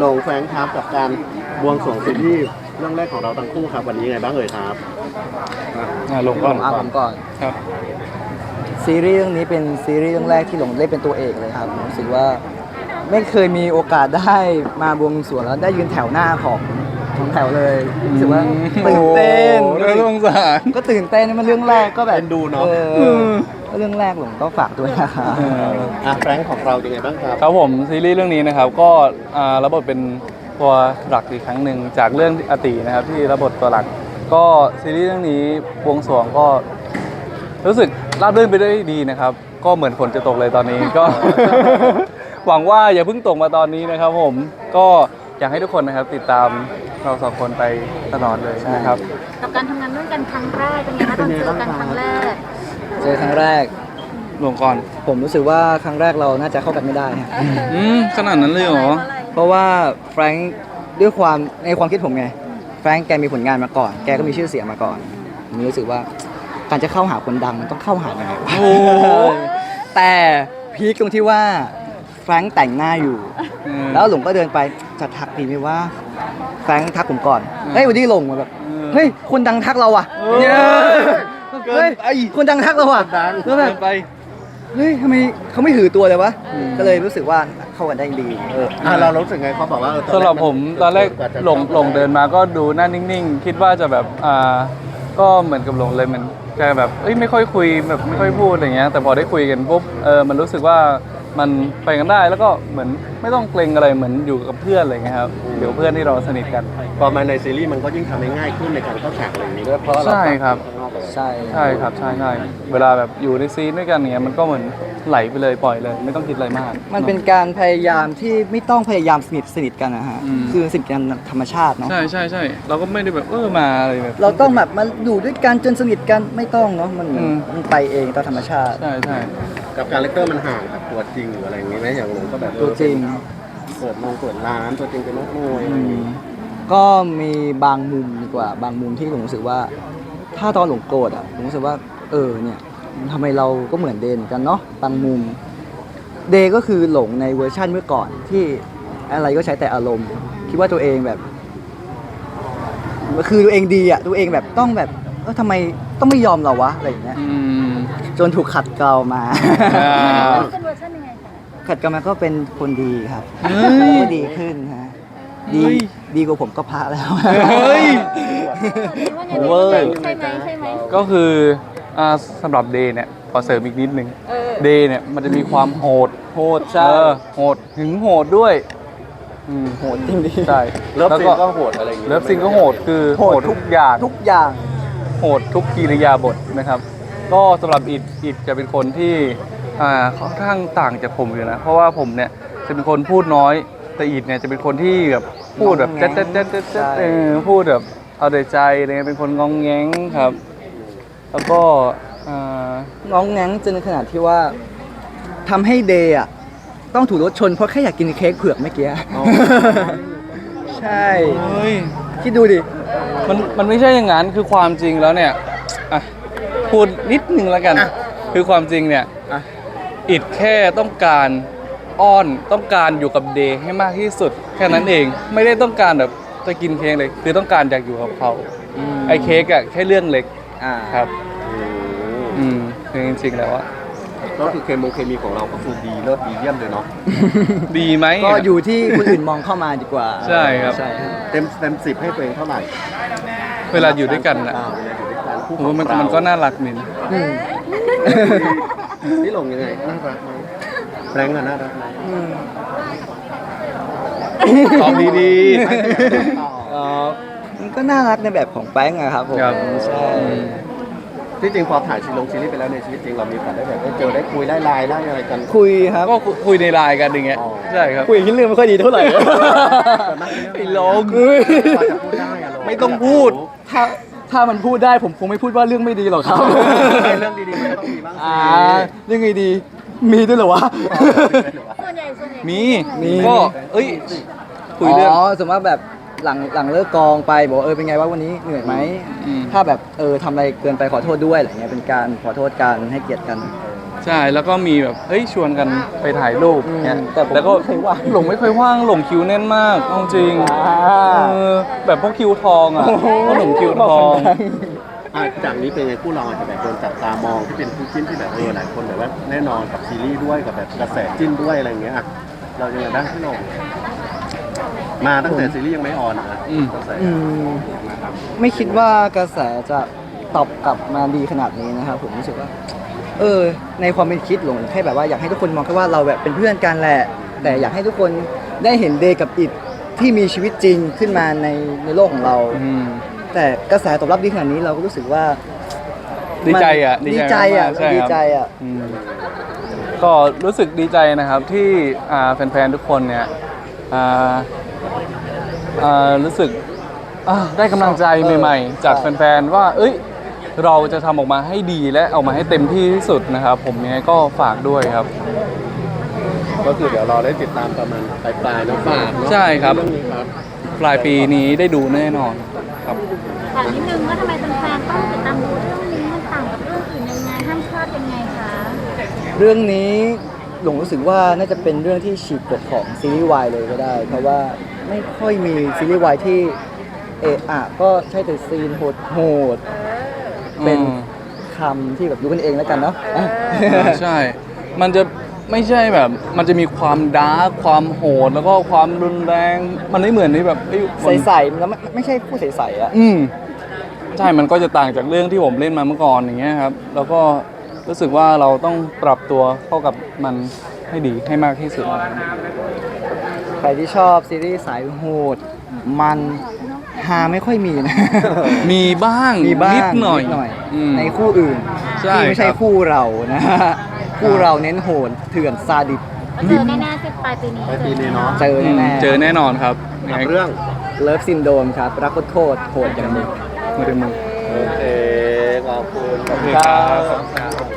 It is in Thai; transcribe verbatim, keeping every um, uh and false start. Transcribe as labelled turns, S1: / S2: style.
S1: ลงแฟรงค์ครับกับการบวงสรวงซีรีส์เรื่องแรกของเราทั้งคู่ครับวันนี้ยังไงบ้างเอ่ยครับ
S2: อ่ะลงก่อน
S3: อ่ะผมก่อน
S2: ครับ
S3: ซีรีส์เรื่องนี้เป็นซีรีส์เรื่องแรกที่หลงเล่นเป็นตัวเอกเลยครับผมรู้สึกว่าไม่เคยมีโอกาสได้มาบวงสรวงแล้วได้ยืนแถวหน้าของของแถวเลยรู้สึกว่าตื่นเต้น
S2: โอ้โหน่าสงสาร
S3: ก็ตื่นเต้นมันเรื่องแรกก็แบบ
S1: เป็นดูเนาะ
S3: ออก็เรื่องแรกหลงก็ฝากด้วยนะครับ
S1: อ่ะแฟรงค์ของเรายังไงบ้างครับ
S2: ครับผมซีรีส์เรื่องนี้นะครับก็อ่ารับบทเป็นตัวหลักอีกครั้งหนึ่งจากเรื่องอตินะครับที่รับบทตัวหลักก็ซีรีส์เรื่องนี้บวงสรวงก็รู้สึกราบรื่นไปด้วยดีนะครับก็เหมือนฝนจะตกเลยตอนนี้ก็ หวังว่าอย่าเพิ่งตกมาตอนนี้นะครับผมก็อยากให้ทุกคนนะครับติดตามเราสองคนไปตลอดเลยนะครับ
S4: กับการทำงานร่วมกันครั้งแรกเป็นไงคะตอนเจอกันครั้งแรก
S3: เจอครั้งแรก
S2: ลงก่อน
S3: ผมรู้สึกว่าครั้งแรกเราน่าจะเข้ากันไม่ได้ครับ
S2: อืมขนาดนั้นเลยเหรอ
S3: เพราะว่าแฟรงค์ด้วยความในความคิดผมไงแฟรงค์แกมีผลงานมาก่อน แกก็มีชื่อเสียงมาก่อนผมรู้สึกว่าการจะเข้าหาคนดังมันต้องเข้าหายังไงวะ
S2: โอ้โห
S3: แต่พีคตรงที่ว่าแฟรงค์แต่งหน้าอยู่
S2: อืม
S3: แล้วหลงก็เดินไปจะทักดีไหมว่าแฟรงค์ทักผมก่อน
S2: อืม
S3: เฮ้ยวันนี้หลงมาแบบ
S2: เออ
S3: เฮ้ยคนดังทักเราอ่ะ
S2: เออ
S3: เนี่ย
S2: เกิน
S3: เฮ้ย
S2: ไป
S3: คนดังทักเราอ่ะ
S1: ดัง
S3: แล้วแบบ
S2: ไป
S3: เฮ้ยทำไมเขาไม่หือตัวเลยวะก็เลยรู้สึกว่าเข้ากันได้ดีเออ
S1: อ่ะเรารู้สึกไงเขาบอกว่าเออ
S2: สำหรับผมตอนแรก
S1: ว่าจะ
S2: หลงหลงเดินมาก็ดูหน้านิ่งๆ คิดว่าจะแบบอ่าก็เหมือนกับหลงเลยมันจะแบบเอ้ยไม่ค่อยคุยแบบไม่ค่อยพูดอะไรเงี้ยแต่พอได้คุยกันปุ๊บเออมันรู้สึกว่ามันไปกันได้แล้วก็เหมือนไม่ต้องเกรงอะไรเหมือนอยู่กับเพื่อนอะไรเงี้ยครับเดี๋ยวเพื่อนที่เราสนิทกัน
S1: พอมาในซีรีส์มันก็ยิ่งทำให้ง่ายขึ้นในการเข้าฉากอะไรอย่างนี้ด้วยเพราะเรา
S2: ใช่ครับ
S3: ใช่
S2: ใช่ครับใช่ใช่เวลาแบบอยู่ในซีนด้วยกันเงี้ยมันก็เหมือนไหลไปเลยปล่อยเลย ไม่ต้องคิดอะไรมาก
S3: มันเป็นการพยายามที่ไม่ต้องพยายามสนิทสนิทกันนะฮะ
S2: อืม
S3: คือสนิทกันธรรมชาติเนาะ
S2: ใช่ใช่ใช่เราก็ไม่ได้แบบเออมาอะไรแบบ
S3: เราต้องแบบมาอยู่ด้วยกันจนสนิทกันไม่ต้องเนาะมัน
S2: อืม
S3: มันไปเองตามธรรมชาติ
S2: ใช่ใช่
S1: กับคาแรคเตอร์มันห่างกับตัวจริงหรืออะไรอย่างนี้ไหมอย่างหลงก็แบบเออ
S3: ตัวจริง
S1: เปิดโรงเปิดร้านตัวจริงเป็นนักมวยอะไร
S3: อื
S1: อย่าง
S3: ม
S1: นี้
S3: ก็มีบางมุมดีกว่า บางมุมที่ผมรู้สึกว่า ถ้าตอนหลงโกรธอ่ะผมรู้สึกว่า เออเนี่ยทำไมเราก็เหมือนเดนเหมือนกันเนาะบางมุม เดก็คือหลงในเวอร์ชั่นเมื่อก่อนที่อะไรก็ใช้แต่อารมณ์ คิดว่าตัวเองแบบ คือตัวเองดีอ่ะตัวเองแบบต้องแบบเออทำไมต้องไม่ยอมเราวะอะไรอย่างเงี้ย
S2: อืม
S3: จนถูกขัดเกลามา
S2: อ่า
S4: เป็นเวอร์ชันยังไงคะ
S3: ขัดเกลามาก็เป็นคนดีครับ
S2: เฮ้ย
S3: ก็ดีขึ้นฮะดี
S2: เฮ้ย
S3: ดีกว่าผมก็พระแล้ว
S2: เฮ้ย
S4: ว่าไง
S3: เวอร์
S4: ใช่ไหมใช่ไหม
S2: ก็คืออ่าสำหรับเดย์เนี่ยขอเสริมอีกนิดนึง
S4: เออ
S2: เดย์เนี่ยมันจะมีความโหด
S3: โหดใช่
S2: เออโหดถึงโหดด้วยอืม
S3: โหดจริงดิ
S2: ใช่
S1: เลิฟ
S2: แล้ว
S1: ซีนก็โหดอะไรอย่างนี้
S2: เลิฟซีนก็โหดคือ
S3: โห
S2: โห
S3: ด
S2: ดทุกอย่าง
S3: ทุกอย่าง
S2: โหดทุกกิริยาบทนะครับ ก็สำหรับอิดอิดจะเป็นคนที่อ่าค่อนข้างต่างจากผมอยู่นะ เพราะว่าผมเนี่ยจะเป็นคนพูดน้อย แต่อิดเนี่ยจะเป็นคนที่แบบพูดแบบแจ๊ดแจ๊ดแจ๊ดแจ๊ดแจ๊ดเออพูดแบบเอาแต่ใจอะไรเงี้ยเป็นคนงองแงงครับ แล้วก็อ่า
S3: น้องแง้งจนขนาดที่ว่าทำให้เดย์อ่ะต้องถูกรถชนเพราะแค่อยากกินเค้กเผือกเมื่อกี้ ใช่
S2: เฮ้ย
S3: คิดดูดิ
S2: มันมันไม่ใช่อย่างนั้นคือความจริงแล้วเนี่ยอ่ะพูดนิดนึงแล้วกัน คือความจริงเนี่ย
S1: อ่ะ
S2: อิดแค่ต้องการอ้อนต้องการอยู่กับเดย์ให้มากที่สุด แค่นั้นเองไม่ได้ต้องการแบบจะกินเค้กเลย คือต้องการอยากอยู่กับเขาไอ้เค้กอะแค่เรื่องเล็ก
S3: อ่า
S2: ครับ
S1: อืม
S2: อืมคือจริงๆแล้วอะ
S1: ก็คือเคมีเคมีของเราก็คือดีเลิศดีเยี่ยมเลยเนาะ
S2: ดีไหม
S3: ก็อยู่ที่คนอื่นมองเข้ามาดีกว่า
S2: ใช่ครับ
S3: ใช่ครับ
S1: เต็มเต็มสิบให้ตัวเองเท่าไหร่
S2: เวลาอยู่ด้วยกันอะ
S1: อ่าเวลาอยู่ด้วยกันคู่
S2: ผมว่ามัน
S1: ของเรา
S2: มันก็น่ารักนี่นะ
S3: อืม
S1: นี่หลงยังไงน่ารักไหมแรงอะน่ารักไหม
S3: อืม
S2: ตอบดี
S3: เอ่อมันก็น่ารักในแบบของแป้งอะครับผม
S2: ครับ
S3: ใช่
S1: ที่จริงพอถ่ายซีรีส์ซีรีส์ไปแล้วในชีวิตจริงเรามีโอกาสได้แบบได้เจอได้คุยได้ไลน์ได้อะไรกัน
S3: คุยครับ
S2: ก็คุยในไลน์กันอย่างเงี้ย
S1: อ๋อ
S2: ใช่ครับ
S3: คุยที่เรื่องไม่ค่อยดีเท่าไหร่
S2: ไอ้โลง
S1: กว่าจะพูดได้อะเรา
S2: ไม่ต้องพูด
S3: ถ้าถ้ามันพูดได้ผมคงไม่พูดว่าเรื่องไม่ดีหรอกครับ
S1: เรื่องดีๆมันก็ต้องมีบ้างสิ
S3: อ่าเรื่องไงดี มีด้วยเหรอวะ
S4: ส่วนใหญ่ส่วนใหญ่
S2: มี
S3: มี
S2: ก็เอ้ยคุยเรื่อง
S3: อ๋อสมมติว่าแบบหลังหลังเลิกกองไปบอกว่าเออเป็นไงว่าวันนี้เหนื่อยไหม
S2: อืม
S3: ถ้าแบบเออทำอะไรเกินไปขอโทษด้วยอะไรเงี้ยเป็นการขอโทษกันให้เกียรติกัน
S2: ใช่แล้วก็มีแบบเฮ้ยชวนกันไปถ่ายรูปเงี้ย
S3: อืมแต่ผม
S2: แล้วก็
S3: ไม่เคยว่าง
S2: หลงไม่เคยว่างหลงคิวแน่นมากเอาจริง
S3: อ่า
S2: เออแบบพวกคิวทองอ่ะพวกหลงคิวทอง
S1: อ่ะจากนี้เป็นไงคู่เราอาจจะแบบโดนจับตามองที่เป็นคู่จิ้นที่แบบเออหลายคนแบบว่าแน่นอนกับซีรีส์ด้วยกับแบบกระแสจิ้นด้วยอะไรอย่างเงี้ยอ่ะเรายังไงบ้างพี่หลงมาตั้งแต่ซีรีส์ยังไม่ออนอ่ะ
S2: อืม
S1: กระแส
S3: อืมไม่คิดว่ากระแสจะตอบกลับมาดีขนาดนี้นะครับผมรู้สึกว่า เออ ในความเป็นคิดหลงแค่แบบว่าอยากให้ทุกคนมองแค่ว่าเราแบบเป็นเพื่อนกันแหละ แต่อยากให้ทุกคนได้เห็นเดย์กับอิดที่มีชีวิตจริงขึ้นมาในในโลกของเรา
S2: อืม
S3: แต่กระแสตอบรับดีขนาดนี้เราก็รู้สึกว่า
S2: ดีใจอ่ะ
S3: มันดีใจอ่ะ
S2: มากๆใช่ครับ
S3: ดีใจอ่ะ
S2: อืมก็รู้สึกดีใจนะครับที่อ่าแฟนๆทุกคนเนี่ยอ่าอ่ารู้สึกอ่าได้กำลังใจใหม่ๆ จากแฟนๆว่า เอ้ย เราจะทำออกมาให้ดีและออกมาให้เต็มที่ที่สุดนะครับ ผมยังไงก็ฝากด้วยครับ
S1: ก็คือเดี๋ยวเราได้ติดตามประมาณปลายปลายๆเน้องฝากเนาะ
S2: ใช่ครับ
S1: เรื่องนี้ครับ
S2: ปลายปีนี้ได้ดูแน่นอนครับ
S4: ถามนิดนึงว่าทำไมแฟนๆต้องติดตามดูเรื่องนี้มันต่างกับเรื่องอื่นยังไงห้ามพลาดยังไงคะ
S3: เรื่องนี้หลงรู้สึกว่าน่าจะเป็นเรื่องที่ฉีกกฎของซีรีส์วายเลยก็ได้ เพราะว่าไม่ค่อยมีซีรีส์วายที่เอะอะก็ใช่แต่ซีนโหดโหดๆเป็น
S2: อืม
S3: คำที่แบบรู้กันเองแล้วกันเนาะ
S2: อ่าใช่ มันจะไม่ใช่แบบ มันจะมีความดาร์กความโหด แล้วก็ความรุนแรง มันไม่เหมือนที่แบบเอ้ยมัน
S3: ใสๆแล้วไม่ไม่ใช่ผู้ใสๆอ่ะ
S2: อืมใช่ มันก็จะต่างจากเรื่องที่ผมเล่นมาเมื่อก่อนอย่างเงี้ยครับ แล้วก็รู้สึกว่าเราต้องปรับตัวเข้ากับมันให้ดีให้มากที่สุด
S3: ใครที่ชอบซีรีส์สายโหด มันฮาไม่ค่อยมีนะ
S2: มีบ้าง
S3: มีบ้าง
S2: นิดหน่อย อืม
S3: ในคู่อื่น
S2: ใช่
S3: ที่ไม่ใช่
S2: ครับ
S3: คู่เรานะฮะคู่เราเน้นโหดเถื่อนซาดิส
S4: ก็เจอแน่ๆที่ปลายปีนี้
S1: ปลายปีนี้เนาะ
S3: เจอ
S2: อืม
S3: แน่ๆ
S2: เจอแน่นอนครับ
S1: กับเรื่อง
S3: เลิฟซินโดมครับ รักโคตรโหดอย่างมึง
S2: มือเต็มมือ
S1: โอเคขอบคุณ
S2: โอเคครับ
S1: ครับ